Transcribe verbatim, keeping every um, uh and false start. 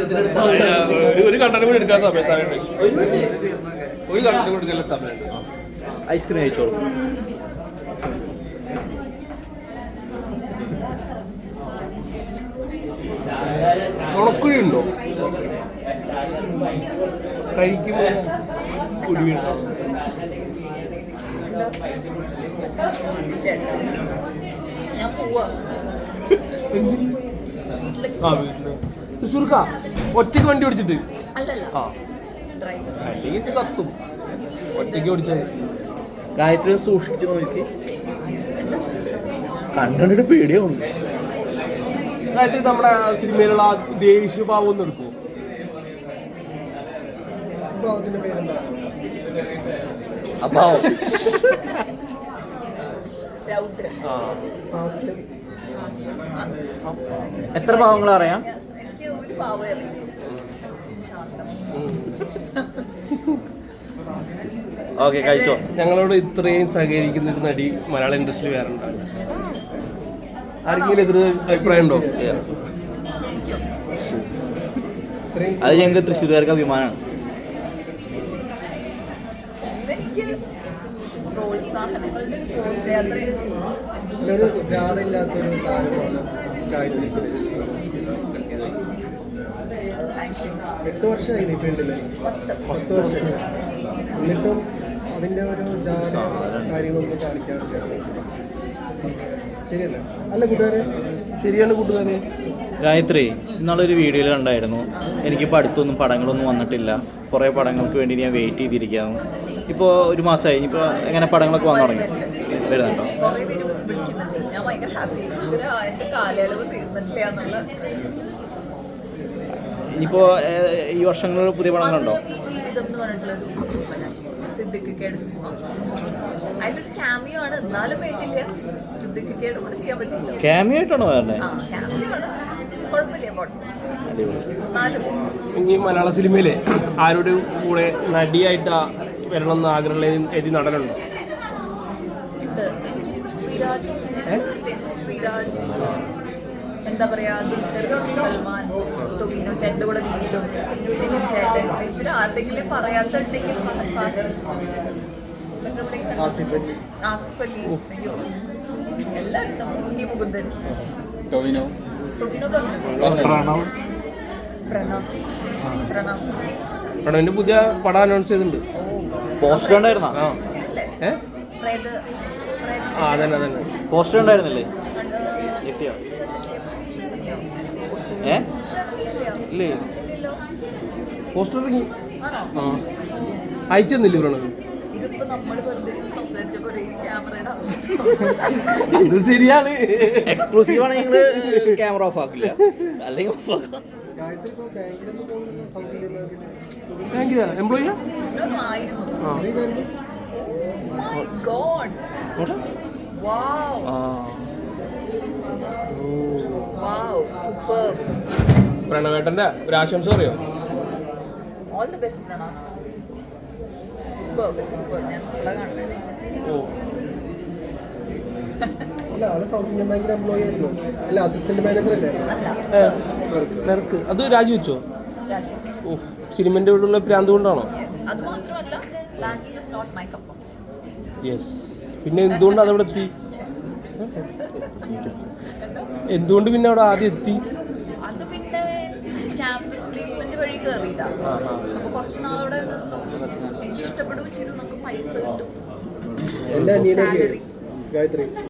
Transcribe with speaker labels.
Speaker 1: ഒരു കണ്ടന്റ് കൂടി എടുക്കാൻ സമയം സമയമുണ്ട് ഒരു കണ്ടന്റ് കൂടി എടുക്കാൻ സമയമുണ്ട്.
Speaker 2: ഐസ്ക്രീം കഴിച്ചോളൂ.
Speaker 1: ഉണക്കുഴി ഉണ്ടോ കഴിക്കുമ്പോൾ കുടിയുണ്ടോ?
Speaker 3: ഞാൻ പോവാ.
Speaker 1: ആ വീട്ടില് സുർക്ക ഒറ്റയ്ക്ക് വണ്ടി ഓടിച്ചിട്ട്
Speaker 3: അല്ലല്ല
Speaker 1: ആ അല്ലെങ്കിൽ ഇത് കത്തും. ഒറ്റയ്ക്ക് ഓടിച്ചത്
Speaker 2: ഗായത്രി സൂക്ഷിച്ചു നോക്കി കണ്ടിട്ട് പേടിയാവുന്നു.
Speaker 1: അതായത് നമ്മുടെ സിനിമയിലുള്ള ആ ദേഷ്യഭാവം ഒന്ന് എടുക്കുമോ?
Speaker 2: അഭാവം.
Speaker 3: രൗദ്രം.
Speaker 2: എത്ര ഭാവങ്ങൾ അറിയാം?
Speaker 3: എനിക്ക് ഒരു പാവം അറിയില്ല.
Speaker 2: ഓക്കെ കഴിച്ചോ.
Speaker 1: ഞങ്ങളോട് ഇത്രയും സഹകരിക്കുന്ന ഒരു നടി മലയാള ഇൻഡസ്ട്രി വേറെ ഉണ്ടാകും. ആർക്കെങ്കിലും എതിർ അഭിപ്രായം ഉണ്ടോ?
Speaker 2: അത് ഞങ്ങൾക്ക് തൃശ്ശൂർക്കാർക്ക് അഭിമാനമാണ്.
Speaker 3: എനിക്ക് പ്രോത്സാഹനങ്ങളുടെ ഒരു ഘോഷയാത്രയാണ്.
Speaker 4: എട്ട് വർഷമായി ഈ ഫീൽഡിൽ, പത്ത് വർഷം എന്നിട്ടും അതിൻ്റെ ഒരു ജാതി കാര്യങ്ങളൊന്നും കാണിക്കാറില്ല. ശരിയല്ല അല്ല കൂട്ടുകാരെ?
Speaker 1: ശരിയാണ് കൂട്ടുകാരെ.
Speaker 2: ഗായത്രി ഇന്നാളൊരു വീഡിയോയിൽ കണ്ടായിരുന്നു, എനിക്കിപ്പോൾ അടുത്തൊന്നും പടങ്ങളൊന്നും വന്നിട്ടില്ല, കുറേ പടങ്ങൾക്ക് വേണ്ടി ഞാൻ വെയിറ്റ് ചെയ്തിരിക്കുകയാണ്. ഇപ്പോൾ ഒരു മാസമായി, ഇപ്പോൾ എങ്ങനെ പടങ്ങളൊക്കെ വന്നു തുടങ്ങി വരുന്നുണ്ടോ?
Speaker 3: കുറേ പേര് വിളിക്കുന്നുണ്ട്. ഞാൻ ഭയങ്കര ഹാപ്പി. ഈശ്വര എൻ്റെ കാലയളവ് തീർന്നിട്ടില്ല എന്നുള്ള.
Speaker 2: ഇനിയിപ്പോൾ ഈ വർഷങ്ങളിൽ പുതിയ പടങ്ങളുണ്ടോ?
Speaker 3: ജീവിതം എന്ന് പറഞ്ഞിട്ടുള്ളൊരു സിനിമ ഞാൻ ചെയ്തു. സിദ്ദിഖിക്കയുടെ സിനിമ. അതിലൊരു ക്യാമിയോ ആണ്, എന്നാലും വേണ്ടില്ല. സിദ്ദിഖിക്കയുടെ കൂടെ ചെയ്യാൻ പറ്റില്ല.
Speaker 2: ക്യാമിയോ ആയിട്ടാണോ വരണേ?
Speaker 3: ആ ക്യാമിയോ ആണ്, കുഴപ്പമില്ല. പോട്ടെ. എന്നാലും
Speaker 1: ഇനി മലയാള സിനിമയിലെ ആരുടെ കൂടെ നടിയായിട്ട് വരണം എന്ന് ആഗ്രഹമുള്ള ഏത് നടനുണ്ടോ?
Speaker 3: ഉണ്ട്. എനിക്ക് പൃഥ്വിരാജ് പൃഥ്വിരാജ് എന്താ പറയാ, ദുൽഖർ സൽമാൻ, ടൊവിനോ ചേട്ടൻ്റെ കൂടെ വീണ്ടും നിവിൻ ചേട്ടൻ. ഈശ്വര ആരുടെങ്കിലും പറയാത്തുണ്ടെങ്കിൽ ഫഹദ് ഫാസിൽ, ആസിഫ് അലി, അയ്യോ എല്ലാവരും. ഉണ്ണി മുകുന്ദൻ,
Speaker 2: ടൊവിനോ
Speaker 3: ടൊവിനോ പറഞ്ഞു,
Speaker 1: പ്രണവ്
Speaker 3: പ്രണവ് പ്രണവ്
Speaker 1: പ്രണവിന്റെ പുതിയ പടം അനൗൺസ് ചെയ്തിട്ടുണ്ട്.
Speaker 2: പോസ്റ്റർ ഉണ്ടായിരുന്നോ?
Speaker 1: ആ
Speaker 3: അല്ലേ?
Speaker 1: ഏ
Speaker 3: പ്രേത
Speaker 1: ആ അതന്നെ അതന്നെ
Speaker 2: പോസ്റ്റർ ഉണ്ടായിരുന്നില്ലേ? കിട്ടിയോ? ഏ ഇല്ലേ?
Speaker 1: പോസ്റ്റർ ഇറങ്ങി.
Speaker 3: ആണോ?
Speaker 1: ആ അയച്ചു തന്നില്ലേ പ്രണവ്?
Speaker 3: ഇതിപ്പോ നമ്മൾ വെറുതെ സംസാരിച്ചപ്പോൾ ഈ ക്യാമറയുടെ ആവശ്യം.
Speaker 1: ഇത് ശരിയാണ്.
Speaker 2: എക്സ്ക്ലൂസീവ് ആണ്. നിങ്ങൾ ക്യാമറ ഓഫ് ആക്കില്ല, അല്ലെങ്കിൽ ഓഫ് ആക്കാം.
Speaker 4: ഗായത്രി ഇപ്പോൾ ബാങ്കിലൊന്നും പോകുന്നില്ല, സൗത്ത് ഇന്ത്യൻ ബാങ്കിൽ
Speaker 1: ബാങ്കിലാ എംപ്ലോയിയാ?
Speaker 3: ആയിരുന്നു.
Speaker 1: ആ
Speaker 3: My God. Wow. Wow. Superb.
Speaker 1: പ്രണവേട്ടന്റെ ഒരു ആശംസ പറയോ?
Speaker 3: All the best, Pranav. Superb. Superb. ഞാൻ ഇവിടെ കാണുന്നത്.
Speaker 1: ഓ
Speaker 4: അല്ല, ആള് സൗത്ത് ഇന്ത്യൻ ബാങ്കിന്റെ എംപ്ലോയി ആയിരുന്നു. അല്ല, അസിസ്റ്റന്റ് മാനേജർ അല്ലേ?
Speaker 3: അല്ല.
Speaker 1: നിനക്ക് അത് രാജിവെച്ചോ?
Speaker 3: രാജേഷ്.
Speaker 1: ഓ സിനിമന്റെ കൂടെയുള്ള പ്രാന്ത് കൊണ്ടാണോ?
Speaker 3: അത് മാത്രമല്ല, banking is not my cup.
Speaker 1: Yes. പിന്നെ എന്തുകൊണ്ട് അതവിടെ എത്തി? എന്തുകൊണ്ട് പിന്നെ അവിടെ ആദ്യം എത്തി?
Speaker 3: അത് പിന്നെ ക്യാമ്പസ് പ്ലേസ്മെന്റ് വഴി കയറിയതാ. അപ്പൊ കുറച്ച് നാളവിടെ നിന്നു. എനിക്ക് ഇഷ്ടപ്പെടുകയും ചെയ്തു. നമുക്ക് പൈസ കിട്ടും.
Speaker 4: എന്റെ അനിയനൊക്കെ ഗായത്രി